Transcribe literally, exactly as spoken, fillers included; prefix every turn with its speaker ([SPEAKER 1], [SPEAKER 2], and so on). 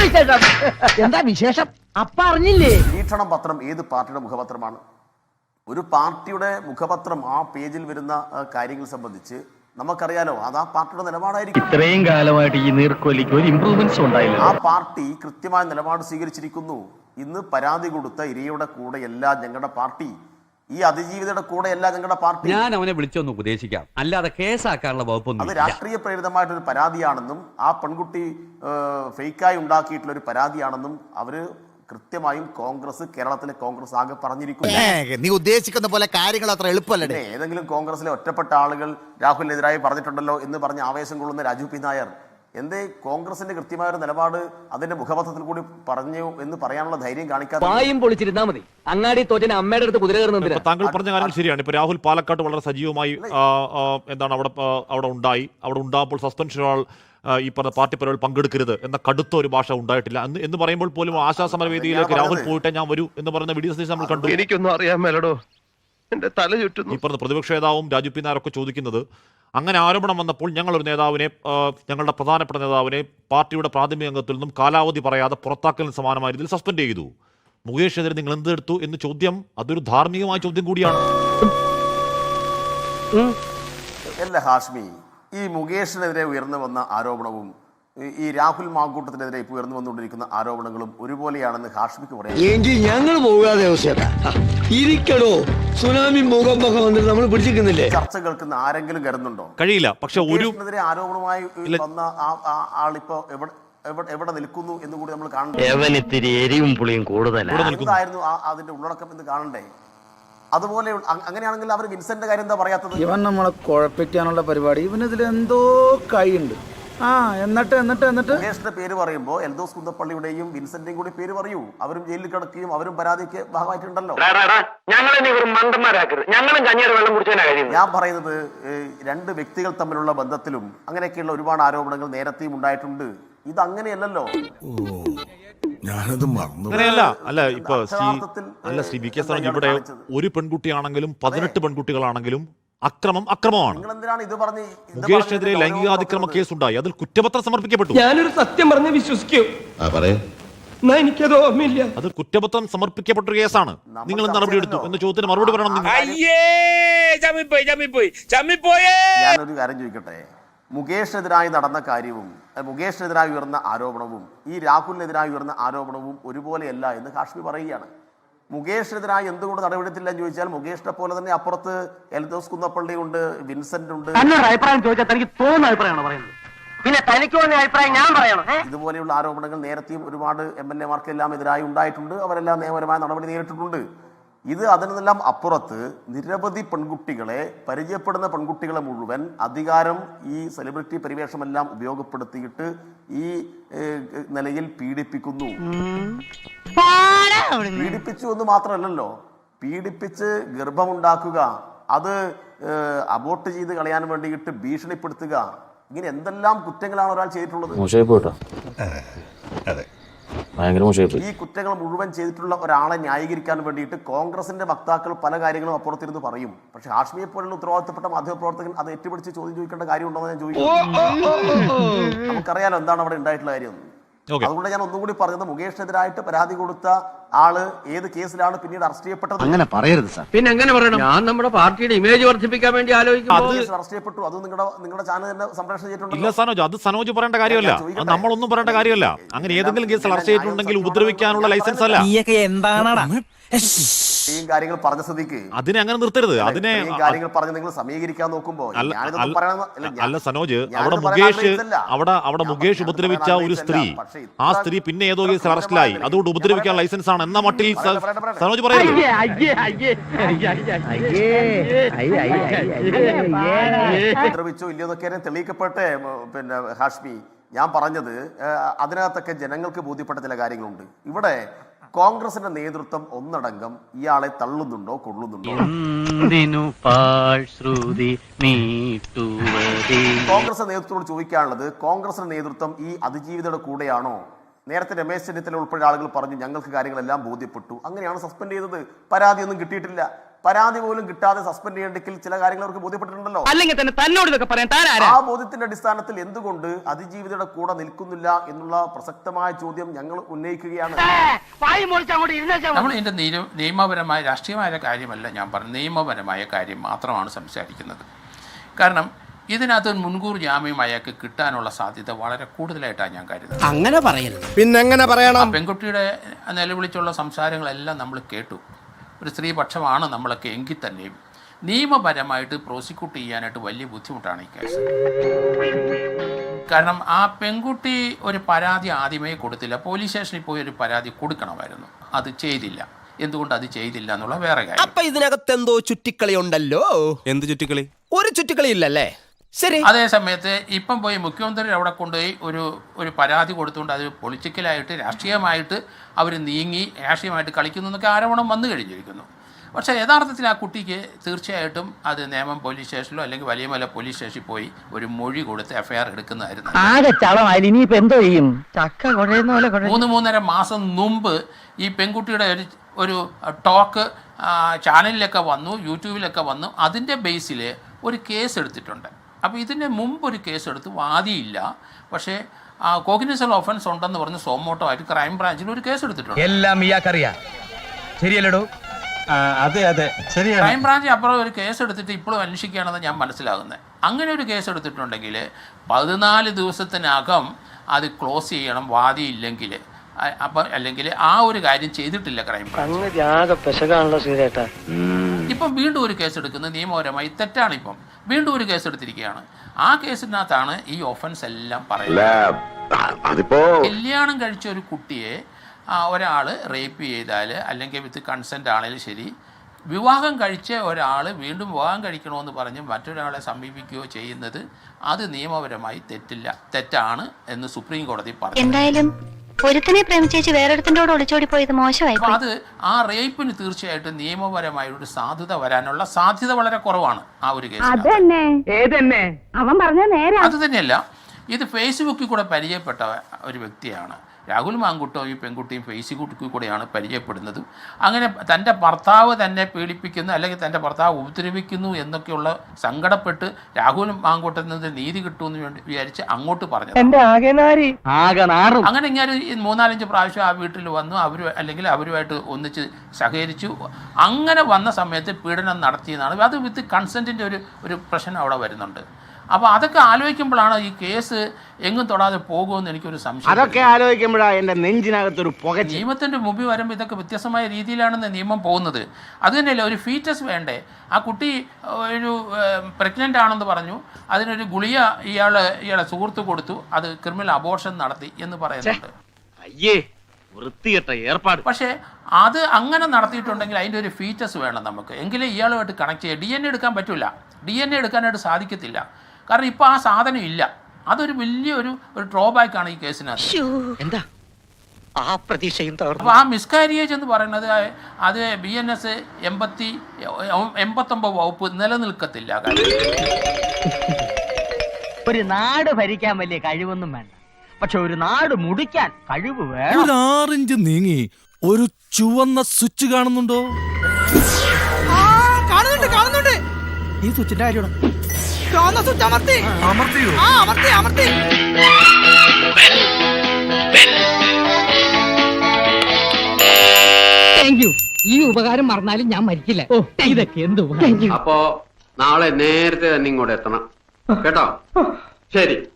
[SPEAKER 1] എന്താ വിശേഷം? അപ്പ അറിഞ്ഞില്ലേ?
[SPEAKER 2] വീക്ഷണം പത്രം ഏത് പാർട്ടിയുടെ മുഖപത്രമാണ്? ഒരു പാർട്ടിയുടെ മുഖപത്രം ആ പേജിൽ വരുന്ന കാര്യങ്ങൾ സംബന്ധിച്ച് നമുക്കറിയാലോ, അത് ആ പാർട്ടിയുടെ നിലപാടായിരിക്കും.
[SPEAKER 3] ഇത്രയും കാലമായിട്ട് ഈ നീർക്കോലിക്ക് ഒരു ഇംപ്രൂവ്മെന്റ്സ് ഉണ്ടായില്ല.
[SPEAKER 2] ആ പാർട്ടി കൃത്യമായ നിലപാട് സ്വീകരിച്ചിരിക്കുന്നു. ഇന്ന് പരാതി കൊടുത്ത ഇരയുടെ കൂടെയല്ല ഞങ്ങളുടെ പാർട്ടി, ഈ അതിജീവിതയുടെ കൂടെയല്ല ഞങ്ങളുടെ പാർട്ടി.
[SPEAKER 4] ഞാൻ അവനെ വിളിച്ചൊന്ന് ഉപദേശിക്കാം, അല്ലാതെ കേസാക്കാനുള്ള വകുപ്പൊന്നും.
[SPEAKER 2] അത് രാഷ്ട്രീയ പ്രേരിതമായിട്ടൊരു പരാതിയാണെന്നും ആ പെൺകുട്ടി ഫേക്കായി ഉണ്ടാക്കിയിട്ടുള്ള ഒരു പരാതിയാണെന്നും അവര് കൃത്യമായും കോൺഗ്രസ്, കേരളത്തിലെ കോൺഗ്രസ് ആകെ പറഞ്ഞിരിക്കുന്നു.
[SPEAKER 5] നീ ഉദ്ദേശിക്കുന്ന പോലെ കാര്യങ്ങൾ അത്ര എളുപ്പമല്ലേ?
[SPEAKER 2] ഏതെങ്കിലും കോൺഗ്രസിലെ ഒറ്റപ്പെട്ട ആളുകൾ രാഹുലിനെതിരായി പറഞ്ഞിട്ടുണ്ടല്ലോ എന്ന് പറഞ്ഞ് ആവേശം കൊള്ളുന്ന രാജു പി നായർ എന്തേ കോൺഗ്രസിന്റെ കൃത്യമായ ഒരു നിലപാട് അതിന്റെ മുഖപത്രത്തിൽ കൂടി പറഞ്ഞു എന്ന് പറയാനുള്ള ധൈര്യം കാണിക്കാതെ
[SPEAKER 1] പായും പൊളിച്ചിരുന്നാ മതി. അങ്ങാടി തോറ്റന് അമ്മയുടെ അടുത്ത് കുതിര കയറുന്ന
[SPEAKER 6] താങ്കൾ പറഞ്ഞ കാര്യം ശരിയാണ്. ഇപ്പൊ രാഹുൽ പാലക്കാട് വളരെ സജീവമായി എന്താണ് അവിടെ അവിടെ ഉണ്ടായി. അവിടെ ഉണ്ടാകുമ്പോൾ സസ്പെൻഷൻ ഈ പറഞ്ഞ പാർട്ടി പരിപാടികൾ പങ്കെടുക്കരുത് എന്ന കടുത്ത ഒരു ഭാഷ ഉണ്ടായിട്ടില്ല എന്ന് എന്ന് പറയുമ്പോൾ പോലും ആശാസമരവേദിയിലേക്ക് രാഹുൽ പോയിട്ട് ഞാൻ വരൂ എന്ന് പറയുന്ന വീഡിയോ സന്ദേശം നമ്മൾ കണ്ടു.
[SPEAKER 3] എനിക്കൊന്നും അറിയാൻ മേലടോ, എന്റെ തല ചുറ്റുന്നു.
[SPEAKER 6] ഈ പറഞ്ഞ പ്രതിപക്ഷ നേതാവും രാജു പി നായരൊക്കെ ചോദിക്കുന്നത്, അങ്ങനെ ആരോപണം വന്നപ്പോൾ ഞങ്ങളൊരു നേതാവിനെ, ഞങ്ങളുടെ പ്രധാനപ്പെട്ട നേതാവിനെ പാർട്ടിയുടെ പ്രാഥമിക അംഗത്തിൽ നിന്നും കാലാവധി പറയാതെ പുറത്താക്കലിന് സമാനമായ രീതിയിൽ സസ്പെൻഡ് ചെയ്തു. മുകേഷിനെതിരെ നിങ്ങൾ എന്തെടുത്തു എന്ന് ചോദ്യം അതൊരു ധാർമ്മികമായ ചോദ്യം കൂടിയാണ്.
[SPEAKER 2] അല്ല ഹാഷ്മി, ഈ മുകേഷിനെതിരെ ഉയർന്നു വന്ന ആരോപണവും ഈ രാഹുൽ മാങ്കൂട്ടത്തിനെതിരെ ഇപ്പോൾ ഉയർന്നു വന്നുകൊണ്ടിരിക്കുന്ന ആരോപണങ്ങളും ഒരുപോലെയാണെന്ന് ഹാഷ്മിക്ക് പറയാം.
[SPEAKER 7] എങ്കിൽ ഞങ്ങൾ പോകാതെ ഇരിക്കടോ, സുനാമി ഭൂകമ്പൊക്കെ വന്നിട്ട് നമ്മൾ പിടിച്ചിരിക്കുന്നില്ലേ?
[SPEAKER 2] ചർച്ച കേൾക്കുന്ന ആരെങ്കിലും കരുതുന്നുണ്ടോ?
[SPEAKER 6] കഴിയില്ല. പക്ഷെ ഒരു
[SPEAKER 2] ആരോപണമായി വന്ന ആളിപ്പോ എവിടെ എവിടെ നിൽക്കുന്നു എന്ന് കൂടി നമ്മൾ കാണണ്ടേ? എന്തായിരുന്നു അതിന്റെ ഉള്ളടക്കം എന്ന് കാണണ്ടേ? അതുപോലെ അങ്ങനെയാണെങ്കിൽ അവർ വിൻസെന്റിന്റെ കാര്യം എന്താ പറയാത്തത്?
[SPEAKER 8] ഇവൻ നമ്മളെ കുഴപ്പിക്കാനുള്ള പരിപാടി, ഇവനിതിൽ എന്തോ കൈയുണ്ട്. ആ എന്നിട്ട് എന്നിട്ട് എന്നിട്ട്
[SPEAKER 2] മുകേഷിന്റെ പേര് പറയുമ്പോ എൽദോസ് കുന്നപ്പള്ളിയുടെയും വിൻസെന്റിന്റെയും കൂടി പേര് പറയൂ. അവരും ജയിലിൽ കിടക്കുകയും അവരും പരാതിക്ക് ഭാഗമായിട്ടുണ്ടല്ലോ. ഞാൻ പറയുന്നത് രണ്ട് വ്യക്തികൾ തമ്മിലുള്ള ബന്ധത്തിലും അങ്ങനെയൊക്കെയുള്ള ഒരുപാട് ആരോപണങ്ങൾ നേരത്തെയും ഉണ്ടായിട്ടുണ്ട്. ഇത് അങ്ങനെയല്ലല്ലോ.
[SPEAKER 6] അങ്ങനെയല്ല. അല്ല ഇപ്പൊ അല്ല ശ്രീ വി കെ സാർ, ഇവിടെ ഒരു പെൺകുട്ടിയാണെങ്കിലും പതിനെട്ട് പെൺകുട്ടികളാണെങ്കിലും അക്രമം അക്രമമാണ്. മുകേഷിനെതിരെ ലൈംഗികാതിക്രമ കേസുണ്ടായി, അതിൽ കുറ്റപത്രം സമർപ്പിക്കപ്പെട്ടു.
[SPEAKER 7] ഞാനൊരു സത്യം പറഞ്ഞ് വിശ്വസിക്കൂ, എനിക്കത് ഓർമ്മയില്ല.
[SPEAKER 6] അത് കുറ്റപത്രം സമർപ്പിക്കപ്പെട്ട കേസാണ്. നിങ്ങൾ നടപടി എടുത്തു എന്ന ചോദ്യത്തിന് മറുപടി പറയണം.
[SPEAKER 2] ഞാനൊരു കാര്യം ചോദിക്കട്ടെ, മുകേഷിനെതിരായി നടന്ന കാര്യവും മുകേഷിനെതിരായി ഉയർന്ന ആരോപണവും ഈ രാഹുലിനെതിരായി ഉയർന്ന ആരോപണവും ഒരുപോലെയല്ല എന്ന് ഹാഷ്മി പറയുകയാണ്. മുകേഷിനെതിരായി എന്തുകൊണ്ട് നടപടിയെടുത്തില്ല എന്ന് ചോദിച്ചാൽ മുകേഷിനെ പോലെ തന്നെ അപ്പുറത്ത് എൽദോസ് കുന്നപ്പള്ളി ഉണ്ട്, വിൻസെന്റ് ഉണ്ട്.
[SPEAKER 1] അഭിപ്രായം ചോദിച്ചാൽ തനിക്ക് തോന്നുന്ന അഭിപ്രായമാണ് പറയുന്നത്, പിന്നെ തനിക്ക് തോന്നിയ അഭിപ്രായം ഞാൻ പറയണം.
[SPEAKER 2] ഇതുപോലെയുള്ള ആരോപണങ്ങൾ നേരത്തെയും ഒരുപാട് എം എൽ എമാർക്കെല്ലാം എതിരായി ഉണ്ടായിട്ടുണ്ട്. അവരെല്ലാം നിയമപരമായ നടപടി നേരിട്ടിട്ടുണ്ട്. ഇത് അതിനെല്ലാം അപ്പുറത്ത് നിരവധി പെൺകുട്ടികളെ, പരിചയപ്പെടുന്ന പെൺകുട്ടികളെ മുഴുവൻ അധികാരം, ഈ സെലിബ്രിറ്റി പരിവേഷമെല്ലാം ഉപയോഗപ്പെടുത്തിയിട്ട് ഈ നിലയിൽ പീഡിപ്പിക്കുന്നു. പീഡിപ്പിച്ചു എന്ന് മാത്രമല്ലല്ലോ, പീഡിപ്പിച്ച് ഗർഭമുണ്ടാക്കുക, അത് അബോർട്ട് ചെയ്ത് കളയാൻ വേണ്ടിയിട്ട് ഭീഷണിപ്പെടുത്തുക, ഇങ്ങനെ എന്തെല്ലാം കുറ്റങ്ങളാണ് ഒരാൾ ചെയ്തിട്ടുള്ളത്. ഈ കുറ്റങ്ങൾ മുഴുവൻ ചെയ്തിട്ടുള്ള ഒരാളെ ന്യായീകരിക്കാൻ വേണ്ടിയിട്ട് കോൺഗ്രസിന്റെ വക്താക്കൾ പല കാര്യങ്ങളും അപ്പുറത്തിരുന്ന് പറയും. പക്ഷെ ഹാഷ്മിയെ പോലുള്ള ഉത്തരവാദിത്തപ്പെട്ട മാധ്യമപ്രവർത്തകൻ അത് ഏറ്റുപിടിച്ച് ചോദ്യം ചോദിക്കേണ്ട കാര്യമുണ്ടോ എന്ന് ഞാൻ ചോദിക്കുന്നു. നമുക്കറിയാലോ എന്താണ് അവിടെ ഉണ്ടായിട്ടുള്ള കാര്യം. അതുകൊണ്ട് ഞാൻ ഒന്നും കൂടി പറഞ്ഞത്, മുകേഷിനെതിരായിട്ട് പരാതി കൊടുത്ത ആള് ഏത് കേസിലാണ് പിന്നീട് അറസ്റ്റ് ചെയ്യപ്പെട്ടത്?
[SPEAKER 1] അങ്ങനെ പറയരുത് സാർ. പിന്നെ എങ്ങനെ പറയണം? ഞാൻ നമ്മുടെ പാർട്ടിയുടെ ഇമേജ് വർദ്ധിപ്പിക്കാൻ വേണ്ടി ആലോചിക്കുന്നു.
[SPEAKER 2] അറസ്റ്റ് ചെയ്യപ്പെട്ടു. അത് നിങ്ങളുടെ നിങ്ങളുടെ ചാനൽ തന്നെ സംപ്രേഷണം ചെയ്തിട്ടുണ്ട്.
[SPEAKER 6] ഇല്ല സനോജ്, അത് സനോജ് പറയേണ്ട കാര്യമല്ല, നമ്മളൊന്നും പറയേണ്ട കാര്യമല്ല. അങ്ങനെ ഏതെങ്കിലും കേസിൽ അറസ്റ്റ് ചെയ്തിട്ടുണ്ടെങ്കിൽ ഉപദ്രവിക്കാനുള്ള ലൈസൻസ് അല്ല.
[SPEAKER 2] ഈ കാര്യങ്ങൾ പറഞ്ഞ സ്ഥിതിക്ക്
[SPEAKER 6] അതിനെ അങ്ങനെ നിർത്തരുത്. അതിനെ
[SPEAKER 2] കാര്യങ്ങൾ പറഞ്ഞ് നിങ്ങൾ സമീകരിക്കാൻ നോക്കുമ്പോ
[SPEAKER 6] അല്ല സനോജ്, അവിടെ മുകേഷ് അവിടെ അവിടെ മുകേഷ് ഉപദ്രവിച്ച ഒരു സ്ത്രീ, ആ സ്ത്രീ പിന്നെ ഏതോ കേസിൽ അറസ്റ്റിലായി, അതുകൊണ്ട് ഉപദ്രവിക്കാൻ ലൈസൻസ് ആണ് എന്ന മട്ടിൽ സനോജ് പറയുന്നത്.
[SPEAKER 2] ഉപദ്രവിച്ചോ ഇല്ലയോ എന്നൊക്കെ തെളിയിക്കപ്പെട്ടെ. പിന്നെ ഹാഷ്മി, ഞാൻ പറഞ്ഞത് അതിനകത്തൊക്കെ ജനങ്ങൾക്ക് ബോധ്യപ്പെട്ട ചില കാര്യങ്ങളുണ്ട്. ഇവിടെ കോൺഗ്രസിന്റെ നേതൃത്വം ഒന്നടങ്കം ഇയാളെ തള്ളുന്നുണ്ടോ കൊള്ളുന്നുണ്ടോ? കോൺഗ്രസ് നേതൃത്വത്തോട് ചോദിക്കാനുള്ളത്, കോൺഗ്രസിന്റെ നേതൃത്വം ഈ അതിജീവിതയുടെ കൂടെയാണോ? നേരത്തെ രമേശ് ചെന്നിത്തല ഉൾപ്പെടെ ആളുകൾ പറഞ്ഞു ഞങ്ങൾക്ക് കാര്യങ്ങളെല്ലാം ബോധ്യപ്പെട്ടു, അങ്ങനെയാണ് സസ്പെൻഡ് ചെയ്തത്, പരാതിയൊന്നും കിട്ടിയിട്ടില്ല. പരാതി പോലും കിട്ടാതെ സസ്പെൻഡ് ചെയ്യണമെങ്കിൽ ചില കാര്യങ്ങൾ അവർക്ക് ബോധ്യപ്പെട്ടിട്ടുണ്ടല്ലോ.
[SPEAKER 1] അല്ലെങ്കിൽ തന്നെ തന്നോട് ഇതൊക്കെ പറയാൻ താനാരാ?
[SPEAKER 2] ആ ബോധ്യത്തിന്റെ അടിസ്ഥാനത്തിൽ എന്തുകൊണ്ട് അതിജീവിതയുടെ കൂടെ നിൽക്കുന്നില്ല എന്നുള്ള പ്രസക്തമായ ചോദ്യം ഞങ്ങൾ ഉന്നയിക്കുകയാണ്.
[SPEAKER 9] നമ്മൾ ഇതിന്റെ നിയമപരമായ രാഷ്ട്രീയമായ കാര്യമല്ല ഞാൻ പറഞ്ഞു, നിയമപരമായ കാര്യം മാത്രമാണ് സംസാരിക്കുന്നത്. കാരണം ഇതിനകത്ത് മുൻകൂർ ജാമ്യം അയാൾക്ക് കിട്ടാനുള്ള സാധ്യത വളരെ കൂടുതലായിട്ടാണ് ഞാൻ കരുതുന്നത്.
[SPEAKER 5] അങ്ങനെ പറയരുത്. പിന്നെ എങ്ങനെ പറയണം?
[SPEAKER 9] പെൺകുട്ടിയുടെ നിലവിളിച്ചുള്ള സംസാരങ്ങളെല്ലാം നമ്മൾ കേട്ടു. ഒരു സ്ത്രീപക്ഷമാണ് നമ്മളൊക്കെ എങ്കിൽ തന്നെയും നിയമപരമായിട്ട് പ്രോസിക്യൂട്ട് ചെയ്യാനായിട്ട് വലിയ ബുദ്ധിമുട്ടാണ് ഈ കേസ്. കാരണം ആ പെൺകുട്ടി ഒരു പരാതി ആദ്യമേ കൊടുത്തില്ല. പോലീസ് സ്റ്റേഷനിൽ പോയി ഒരു പരാതി കൊടുക്കണമായിരുന്നു, അത് ചെയ്തില്ല. എന്തുകൊണ്ട് അത് ചെയ്തില്ല എന്നുള്ള വേറെ കാര്യം.
[SPEAKER 5] അപ്പൊ ഇതിനകത്ത് എന്തോ ചുറ്റിക്കളി ഉണ്ടല്ലോ. എന്ത് ചുറ്റിക്കളി? ഒരു ചുറ്റിക്കളി ഇല്ലല്ലേ? ശരി.
[SPEAKER 9] അതേ സമയത്ത് ഇപ്പം പോയി മുഖ്യമന്ത്രി അവിടെ കൊണ്ടുപോയി ഒരു ഒരു പരാതി കൊടുത്തുകൊണ്ട് അത് പൊളിറ്റിക്കലായിട്ട് രാഷ്ട്രീയമായിട്ട് അവർ നീങ്ങി രാഷ്ട്രീയമായിട്ട് കളിക്കുന്നു എന്നൊക്കെ ആരോപണം വന്നു കഴിഞ്ഞിരിക്കുന്നു. പക്ഷേ യഥാർത്ഥത്തിൽ ആ കുട്ടിക്ക് തീർച്ചയായിട്ടും അത് നേമം പോലീസ് സ്റ്റേഷനിലോ അല്ലെങ്കിൽ വലിയമല പോലീസ് സ്റ്റേഷനിൽ പോയി ഒരു മൊഴി കൊടുത്ത് എഫ്ഐആർ എടുക്കുന്നതായിരുന്നു. മൂന്ന് മൂന്നര മാസം മുമ്പ് ഈ പെൺകുട്ടിയുടെ ഒരു ഒരു ടോക്ക് ചാനലിലൊക്കെ വന്നു, യൂട്യൂബിലൊക്കെ വന്നു. അതിൻ്റെ ബേസിൽ ഒരു കേസ് എടുത്തിട്ടുണ്ട്. അപ്പോൾ ഇതിന് മുമ്പ് ഒരു കേസ് എടുത്ത് വാദിയില്ല. പക്ഷേ കോഗ്നിസബിൾ ഒഫൻസ് ഉണ്ടെന്ന് പറഞ്ഞ് സോമോട്ടോ ആയിട്ട് ക്രൈം ബ്രാഞ്ചിൽ ഒരു കേസ് എടുത്തിട്ടുണ്ട്.
[SPEAKER 1] എല്ലാം ഇയാൾക്കറിയാം, ശരിയല്ലടോ?
[SPEAKER 3] അതെ അതെ ശരിയാണ്.
[SPEAKER 9] ക്രൈം ബ്രാഞ്ച് അപ്പുറം ഒരു കേസ് എടുത്തിട്ട് ഇപ്പോഴും അന്വേഷിക്കുകയാണെന്ന് ഞാൻ മനസ്സിലാകുന്നത്. അങ്ങനെ ഒരു കേസ് എടുത്തിട്ടുണ്ടെങ്കിൽ പതിനാല് ദിവസത്തിനകം അത് ക്ലോസ് ചെയ്യണം വാദിയില്ലെങ്കിൽ. അപ്പം അല്ലെങ്കിൽ ആ ഒരു കാര്യം ചെയ്തിട്ടില്ല ക്രൈം ബ്രാഞ്ച്. ഇപ്പം വീണ്ടും ഒരു കേസ് എടുക്കുന്നത് നിയമപരമായി തെറ്റാണ്. ഇപ്പം വീണ്ടും ഒരു കേസ് എടുത്തിരിക്കുകയാണ്. ആ കേസിനകത്താണ് ഈ ഒഫൻസ് എല്ലാം പറയുന്നത്. കല്യാണം കഴിച്ച ഒരു കുട്ടിയെ ഒരാൾ റേപ്പ് ചെയ്താൽ അല്ലെങ്കിൽ വിത്ത് കൺസെൻ്റ് ആണെങ്കിലും ശരി, വിവാഹം കഴിച്ച ഒരാൾ വീണ്ടും വിവാഹം കഴിക്കണമെന്ന് പറഞ്ഞ് മറ്റൊരാളെ സമീപിക്കുകയോ ചെയ്യുന്നത് അത് നിയമപരമായി തെറ്റില്ല, തെറ്റാണ് എന്ന് സുപ്രീം കോടതി പറഞ്ഞു.
[SPEAKER 10] എന്തായാലും ഒരുത്തനെ പ്രേമിച്ചേച്ച് വേറൊരുത്തൻ്റെ ഒളിച്ചോടി പോയത് മോശമായി.
[SPEAKER 9] അപ്പോൾ അത് ആ റേപ്പിന് തീർച്ചയായിട്ടും നിയമപരമായ ഒരു സാധ്യത വരാനുള്ള സാധ്യത വളരെ കുറവാണ് ആ ഒരു കേസ്. അത് തന്നെയല്ല, ഇത് ഫേസ്ബുക്കിൽ കൂടെ പരിചയപ്പെട്ട ഒരു വ്യക്തിയാണ്. രാഹുൽ മാങ്കുട്ടവും ഈ പെൺകുട്ടിയും ഫേസ്ബുക്കിൽ കൂടെയാണ് പരിചയപ്പെടുന്നതും. അങ്ങനെ തൻ്റെ ഭർത്താവ് തന്നെ പീഡിപ്പിക്കുന്നു അല്ലെങ്കിൽ തൻ്റെ ഭർത്താവ് ഉപദ്രവിക്കുന്നു എന്നൊക്കെയുള്ള സങ്കടപ്പെട്ട് രാഹുൽ മാങ്കുട്ടത്തിൽ നിന്ന് നീതി കിട്ടുമെന്ന് വേണ്ടി വിചാരിച്ച് അങ്ങോട്ട് പറഞ്ഞു. അങ്ങനെ ഇങ്ങനെ മൂന്നാലഞ്ച് പ്രാവശ്യം ആ വീട്ടിൽ വന്നു, അവർ അല്ലെങ്കിൽ അവരുമായിട്ട് ഒന്നിച്ച് സഹകരിച്ചു. അങ്ങനെ വന്ന സമയത്ത് പീഡനം നടത്തിയെന്നാണ്. അത് വിത്ത് കൺസെൻറ്റിൻ്റെ ഒരു ഒരു പ്രശ്നം അവിടെ വരുന്നുണ്ട്. അപ്പോൾ അതൊക്കെ ആലോചിക്കുമ്പോഴാണ് ഈ കേസ് എങ്ങും തൊടാതെ പോകുമെന്ന് എനിക്കൊരു സംശയം.
[SPEAKER 1] അതൊക്കെ ആലോചിക്കുമ്പോഴാണ് എൻ്റെ നെഞ്ചിനകത്തൊരു പുക.
[SPEAKER 9] നിയമത്തിൻ്റെ മുമ്പിൽ വരുമ്പോൾ ഇതൊക്കെ വ്യത്യസ്തമായ രീതിയിലാണെന്ന് നിയമം പോകുന്നത്. അത് തന്നെയല്ല, ഒരു ഫീറ്റസ് വേണ്ടേ? ആ കുട്ടി ഒരു പ്രഗ്നൻ്റ് ആണെന്ന് പറഞ്ഞു, അതിനൊരു ഗുളിക ഇയാൾ ഇയാളെ സുഹൃത്ത് കൊടുത്തു, അത് ക്രിമിനൽ അബോർഷൻ നടത്തി എന്ന് പറയുന്നുണ്ട്.
[SPEAKER 1] അയ്യേ, വൃത്തികെട്ട ഏർപ്പാട്.
[SPEAKER 9] പക്ഷേ അത് അങ്ങനെ നടത്തിയിട്ടുണ്ടെങ്കിൽ അതിൻ്റെ ഒരു ഫീറ്റസ് വേണം നമുക്ക്, എങ്കിലേ ഇയാളുമായിട്ട് കണക്ട് ചെയ്യുക. ഡി എൻ എ എടുക്കാൻ പറ്റില്ല, ഡി എൻ എ എടുക്കാനായിട്ട് സാധിക്കത്തില്ല. കാരണം ഇപ്പോൾ ആ സാധനം ഇല്ല. അതൊരു വലിയൊരു ഒരു ഡ്രോബാക്കാണ് ഈ കേസിനകത്ത്.
[SPEAKER 1] എന്താ ആ പ്രതീക്ഷയും?
[SPEAKER 9] അപ്പോൾ ആ മിസ്കാരിയേജ് എന്ന് പറയുന്നത് അത് ബി എൻ എസ് എൺപത്തി എൺപത്തൊമ്പത് വകുപ്പ് നിലനിൽക്കത്തില്ല.
[SPEAKER 1] ഒരു നാട് ഭരിക്കാൻ വലിയ കഴിവൊന്നും വേണ്ട, പക്ഷെ ഒരു നാട് മുടിക്കാൻ കഴിവ് വേണം.
[SPEAKER 11] ഒരു ആറിഞ്ച് നീങ്ങി ഒരു ചുവന്ന സ്വിച്ച് കാണുന്നുണ്ടോ?
[SPEAKER 5] കാണുന്നുണ്ട് കാണുന്നുണ്ട്.
[SPEAKER 11] ഈ സ്വിച്ചിന്റെ കാര്യം
[SPEAKER 5] സ്വിച്ച് അമർത്തി അമർത്തിയോ? ആ അമർത്തി അമർത്തി.
[SPEAKER 1] Thank you. ഈ ഉപകാരം മറന്നാലും ഞാൻ മരിക്കില്ല. ഓ, ഇതൊക്കെ എന്ത് ഉപകാരം.
[SPEAKER 4] അപ്പോ നാളെ നേരത്തെ തന്നെ ഇങ്ങോട്ട് എത്തണം കേട്ടോ? ശരി.